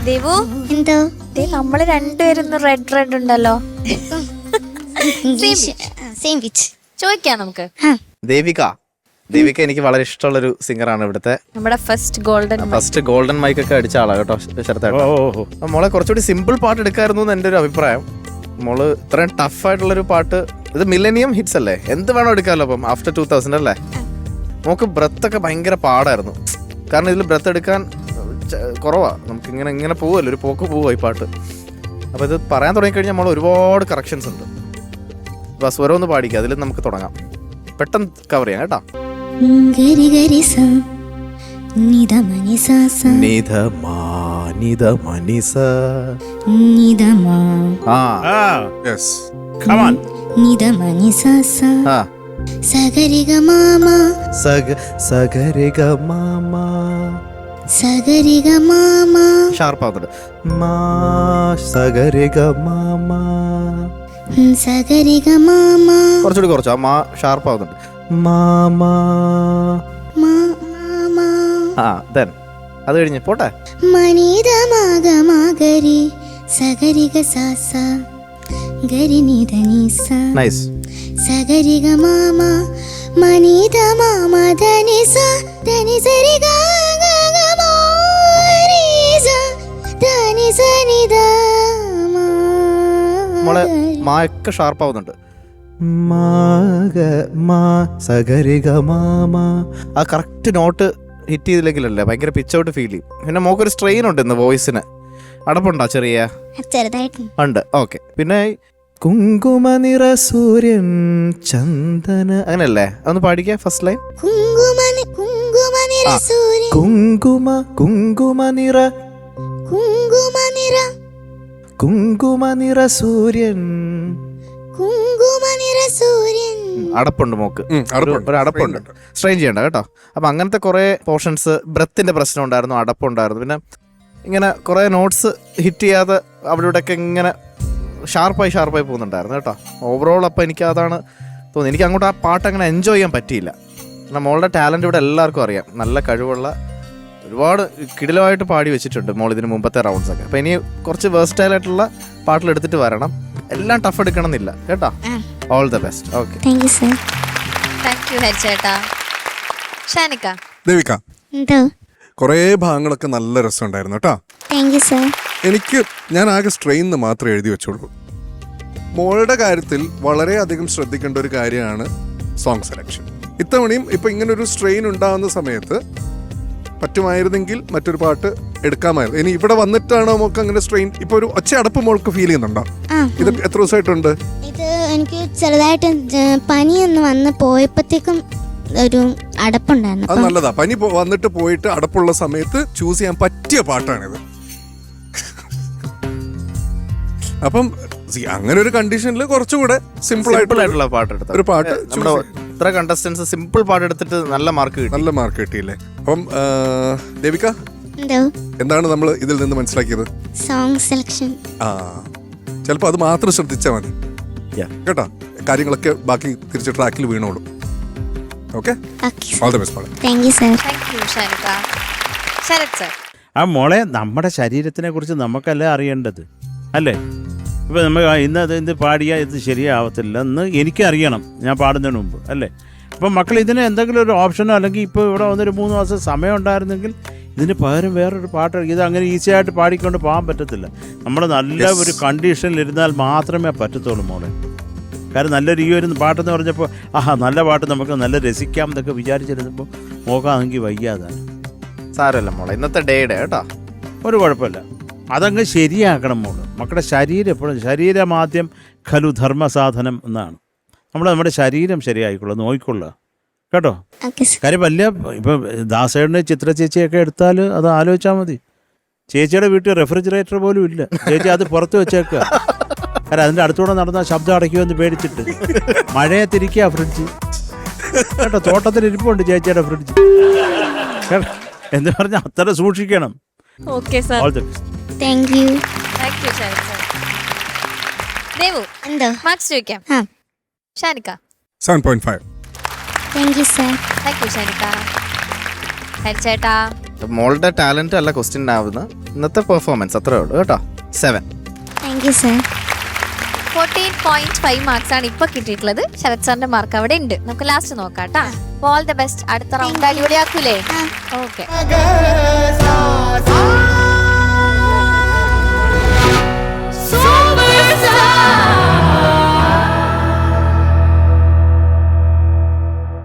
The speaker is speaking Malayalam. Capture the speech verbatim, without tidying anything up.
ദേവു എന്തോ നമ്മള് രണ്ടുപേരും റെഡ് റെഡ് ഉണ്ടല്ലോ. സെയിം പിച്ച് ചോദിക്കാം നമുക്ക്. ദേവിക ദേവിക എനിക്ക് വളരെ ഇഷ്ടമുള്ളൊരു സിംഗറാണ്. ഇവിടുത്തെ നമ്മുടെ first golden first golden mic ഒക്കെ അടിച്ച ആളാ കേട്ടോ ശരത്തേട്ടാ. മോളെ കുറച്ചുകൂടി സിമ്പിൾ പാട്ട് എടുക്കായിരുന്നു എന്ന് എൻ്റെ ഒരു അഭിപ്രായം. മോള് ഇത്രയും ടഫ് ആയിട്ടുള്ളൊരു പാട്ട്, ഇത് മില്ലേനിയം ഹിറ്റ്സ് അല്ലേ, എന്ത് വേണോ എടുക്കാമല്ലോ. അപ്പം ആഫ്റ്റർ ടൂ തൗസൻഡ് അല്ലേ. നമുക്ക് ബ്രത്ത് ഒക്കെ ഭയങ്കര പാടായിരുന്നു, കാരണം ഇതിൽ ബ്രത്ത് എടുക്കാൻ കുറവാ. നമുക്ക് ഇങ്ങനെ ഇങ്ങനെ പോവുമല്ലോ, ഒരു പോക്ക് പോവുക ഈ പാട്ട്. അപ്പോൾ ഇത് പറയാൻ തുടങ്ങിക്കഴിഞ്ഞാൽ നമ്മൾ ഒരുപാട് കറക്ഷൻസ് ഉണ്ട്. അപ്പോൾ സ്വരം ഒന്ന് പാടിക്കുക, അതിൽ നമുക്ക് തുടങ്ങാം. പെട്ടെന്ന് കവർ ചെയ്യാം കേട്ടോ. ഗരി ഗരി സ നിധ മനി സ സ നിധ മാ നിധ മനി സ നിധ മാ ആ യെസ് കം ഓൺ നിധ മനി സ സ ആ സഗരി ഗ മാമ സഗ സഗരി ഗ മാമ സഗരി ഗ മാമ ഷാർപ്പ് ആവുന്നുണ്ട്. മാ സഗരി ഗ മാമ സഗരി ഗ മാമ കുറച്ചുകൂടി കുറച്ച് ആ മാ ഷാർപ്പ് ആവുന്നുണ്ട്. മാമ മാമ ആ ദെൻ അത് കഴിഞ്ഞ് പോട്ടെ. മനിധ മാഗ മാഗരി സഗരി ഗ സ സ ഗരി നിധ നി സ നൈസ്. സഗരി ഗ മാമ മനിധ മാമ ധനി സ ധനി സരി ഗ ഗ ഗ മാ രി സ ധനി സ നി ധ മാ. മോളെ മായൊക്കെ ഷാർപ്പ് ആവുന്നുണ്ട്. മാഗ മാ സഗരി ഗ മാമ ആ കറക്റ്റ് നോട്ട് ഹിറ്റ് ചെയ്തില്ലെങ്കിലല്ലേ ഭയങ്കര പിച്ച് ഔട്ട് ഫീൽ ചെയ്യും. പിന്നെ മോക്കൊരു സ്ട്രെയിൻ ഉണ്ട് ഇന്ന് വോയിസിന്. അടപ്പുണ്ടോ ചെറിയ? ചെറുതായിട്ട് ഉണ്ട്. ഓക്കെ. പിന്നെ കുങ്കുമ നിറ സൂര്യൻ ചന്ദന അങ്ങനെയല്ലേ, അതൊന്ന് പാടിക്ക ഫസ്റ്റ് ലൈൻ. കുങ്കുമ കുങ്കുമ നിറ സൂര്യൻ കുങ്കുമ കുങ്കുമ നിറ കുങ്കുമ നിറ കുങ്കുമ നിറ സൂര്യൻ കുങ്കുമ നിറ സൂര്യൻ. അടപ്പുണ്ട് മോക്ക്, ഉം, അടപ്പുണ്ട്. ഒരു അടപ്പുണ്ട്. സ്ട്രെയിൻ ചെയ്യണ്ട കേട്ടോ. അപ്പം അങ്ങനത്തെ കുറേ പോർഷൻസ്, ബ്രത്തിന്റെ പ്രശ്നം ഉണ്ടായിരുന്നു, അടപ്പുണ്ടായിരുന്നു. പിന്നെ ഇങ്ങനെ കുറേ നോട്ട്സ് ഹിറ്റ് ചെയ്യാതെ അവിടെ ഇവിടെയൊക്കെ ഇങ്ങനെ ഷാർപ്പായി ഷാർപ്പായി പോകുന്നുണ്ടായിരുന്നു കേട്ടോ. ഓവറോൾ അപ്പം എനിക്ക് അതാണ് തോന്നി. എനിക്ക് അങ്ങോട്ട് ആ പാട്ട് അങ്ങനെ എൻജോയ് ചെയ്യാൻ പറ്റിയില്ല. കാരണം മോളുടെ ടാലൻറ്റ് ഇവിടെ എല്ലാവർക്കും അറിയാം. നല്ല കഴിവുള്ള ഒരുപാട് കിടിലമായിട്ട് പാടി വെച്ചിട്ടുണ്ട് മോൾ ഇതിന് മുമ്പത്തെ റൗണ്ട്സ് ഒക്കെ. അപ്പം ഇനി കുറച്ച് വേഴ്സ്റ്റൈൽ ആയിട്ടുള്ള പാട്ടിലെടുത്തിട്ട് വരണം. എല്ലാം ടഫ് എടുക്കണം എന്നില്ല കേട്ടോ. All the best. Okay, thank you sir. Thank you ഹരിച്ചേട്ടാ. ഷാനിക്ക ദേവിക, എന്തോ കുറേ ഭാഗങ്ങളൊക്കെ നല്ല രസമുണ്ടായിരുന്നു കേട്ടോ. Thank you sir. എനിക്ക് ഞാൻ ആകെ സ്ട്രെയിൻ എന്ന് മാത്രമേ എഴുതി വെച്ചോളൂ. മോളുടെ കാര്യത്തിൽ വളരെയധികം ശ്രദ്ധിക്കേണ്ട ഒരു കാര്യമാണ് സോങ് സെലക്ഷൻ. ഇത്തവണയും ഇപ്പം ഇങ്ങനൊരു സ്ട്രെയിൻ ഉണ്ടാകുന്ന സമയത്ത് പറ്റുമായിരുന്നെങ്കിൽ മറ്റൊരു പാട്ട് എടുക്കാമായിരുന്നു. ഇനി ഇവിടെ വന്നിട്ടാണോ മോൾക്ക് അങ്ങനെ സ്ട്രെയിൻ? ഇപ്പൊ ഒരു ഒച്ച അടപ്പ് മോൾക്ക് ഫീൽ ചെയ്യുന്നുണ്ടോ? ഇത് എത്ര ദിവസമായിട്ടുണ്ട്? ഇത് എനിക്ക് ചെറുതായിട്ട് പനി ഒന്ന് വന്ന് പോയപ്പോഴത്തേക്കും ഒരു അടപ്പുണ്ടായിരുന്നു. അത് നല്ലതാ. പനി വന്നിട്ട് പോയിട്ട് അടപ്പുള്ള സമയത്ത് ചൂസ് ചെയ്യാൻ പറ്റിയ പാട്ടാണിത്. അപ്പം അങ്ങനെ ഒരു കണ്ടീഷനിൽ കുറച്ചുകൂടെ സിമ്പിൾ ആയിട്ടുള്ള പാട്ട് എടുത്ത ഒരു പാട്ട്. ഇത്ര കണ്ടസ്റ്റൻസ് സിമ്പിൾ പാട്ട് എടുത്തിട്ട് നല്ല മാർക്ക് കിട്ടി. നല്ല മാർക്ക് കിട്ടിയില്ലേ? അപ്പം ദേവിക, എന്തോ എന്താണ് നമ്മൾ ഇതിൽ നിന്ന് മനസ്സിലാക്കിയത്? Song selection. ആ ചിലപ്പോൾ അത് മാത്രം ശ്രദ്ധിച്ചാൽ മതി കേട്ടോ. കാര്യങ്ങളൊക്കെ ബാക്കി തിരിച്ച് ട്രാക്കിൽ വീണോളൂ. Okay, all the best. Thank you sir. Thank you Shanika. Sharath sir. ആ മോളെ, നമ്മുടെ ശരീരത്തിനെ കുറിച്ച് നമുക്കല്ലേ അറിയേണ്ടത് അല്ലേ? ഇപ്പോൾ നമ്മൾ ഇന്ന് അത് ഇത് പാടിയാൽ ഇത് ശരിയാവത്തില്ല എന്ന് എനിക്കറിയണം ഞാൻ പാടുന്നതിന് മുമ്പ് അല്ലേ? അപ്പം മക്കൾ ഇതിന് എന്തെങ്കിലും ഒരു ഓപ്ഷനോ അല്ലെങ്കിൽ ഇപ്പോൾ ഇവിടെ വന്നൊരു മൂന്ന് മാസം സമയം ഉണ്ടായിരുന്നെങ്കിൽ ഇതിന് പകരം വേറൊരു പാട്ട്, ഇത് അങ്ങനെ ഈസി ആയിട്ട് പാടിക്കൊണ്ട് പോകാൻ പറ്റത്തില്ല. നമ്മൾ നല്ല ഒരു കണ്ടീഷനിൽ ഇരുന്നാൽ മാത്രമേ പറ്റത്തുള്ളൂ മോളെ. കാരണം നല്ലൊരു ഈ ഒരു പാട്ടെന്ന് പറഞ്ഞപ്പോൾ ആഹാ നല്ല പാട്ട് നമുക്ക് നല്ല രസിക്കാം എന്നൊക്കെ വിചാരിച്ചിരുന്നപ്പോൾ നോക്കാമെങ്കിൽ വയ്യാതാണ്. സാരമല്ല മോളെ, ഇന്നത്തെ ഡേയുടെ കേട്ടോ, ഒരു കുഴപ്പമില്ല. അതങ്ങ് ശരിയാക്കണം മോള്. മക്കളുടെ ശരീരം എപ്പോഴും ശരീരമാദ്യം ഖലു ധർമ്മസാധനം എന്നാണ്. നമ്മൾ നമ്മുടെ ശരീരം ശരിയായിക്കൊള്ളുക, നോക്കിക്കൊള്ളുക കേട്ടോ. കാര്യം വലിയ ഇപ്പം ദാസേടിനെ ചിത്ര ചേച്ചിയൊക്കെ എടുത്താൽ അത് ആലോചിച്ചാൽ മതി. ചേച്ചിയുടെ വീട്ടിൽ റെഫ്രിജറേറ്റർ പോലും ഇല്ല. ചേച്ചി അത് പുറത്ത് വെച്ചേക്കുക. കാരണം അതിൻ്റെ അടുത്തൂടെ നടന്നാൽ ശബ്ദം അടയ്ക്കുമെന്ന് പേടിച്ചിട്ട് മഴയത്തിരിക്കുക ഫ്രിഡ്ജ് കേട്ടോ. തോട്ടത്തിൽ ഇരിപ്പുണ്ട് ചേച്ചിയുടെ ഫ്രിഡ്ജ് കേട്ടോ. എന്ന് പറഞ്ഞാൽ അത്ര സൂക്ഷിക്കണം. Okay sir. All the best. Thank you. Thank you Sharath sir. Devu, എന്തോ മാർക്സ് ചോദിക്കാം. ആ Shanika. Seven point five. Thank you sir. Thank you Shanika. ഹരിച്ചേട്ടാ. മോളുടെ ടാലന്റ് അല്ല ക്വസ്റ്റ്യൻ ആവുന്നത്, ഇന്നത്തെ പെർഫോമൻസ് അത്രേ ഉള്ളൂ കേട്ടോ. Seven. Thank you sir. Fourteen point five marks ആണ് ഇപ്പൊ കിട്ടിയിട്ടുള്ളത്. ശരത് സാറിന്റെ മാർക്ക് അവിടെ ഉണ്ട്. നമുക്ക് ലാസ്റ്റ് നോക്കാം കേട്ടാ. All the best. അടുത്ത റൗണ്ട് അടിപൊളിയാക്കൂലേ? ഓക്കെ.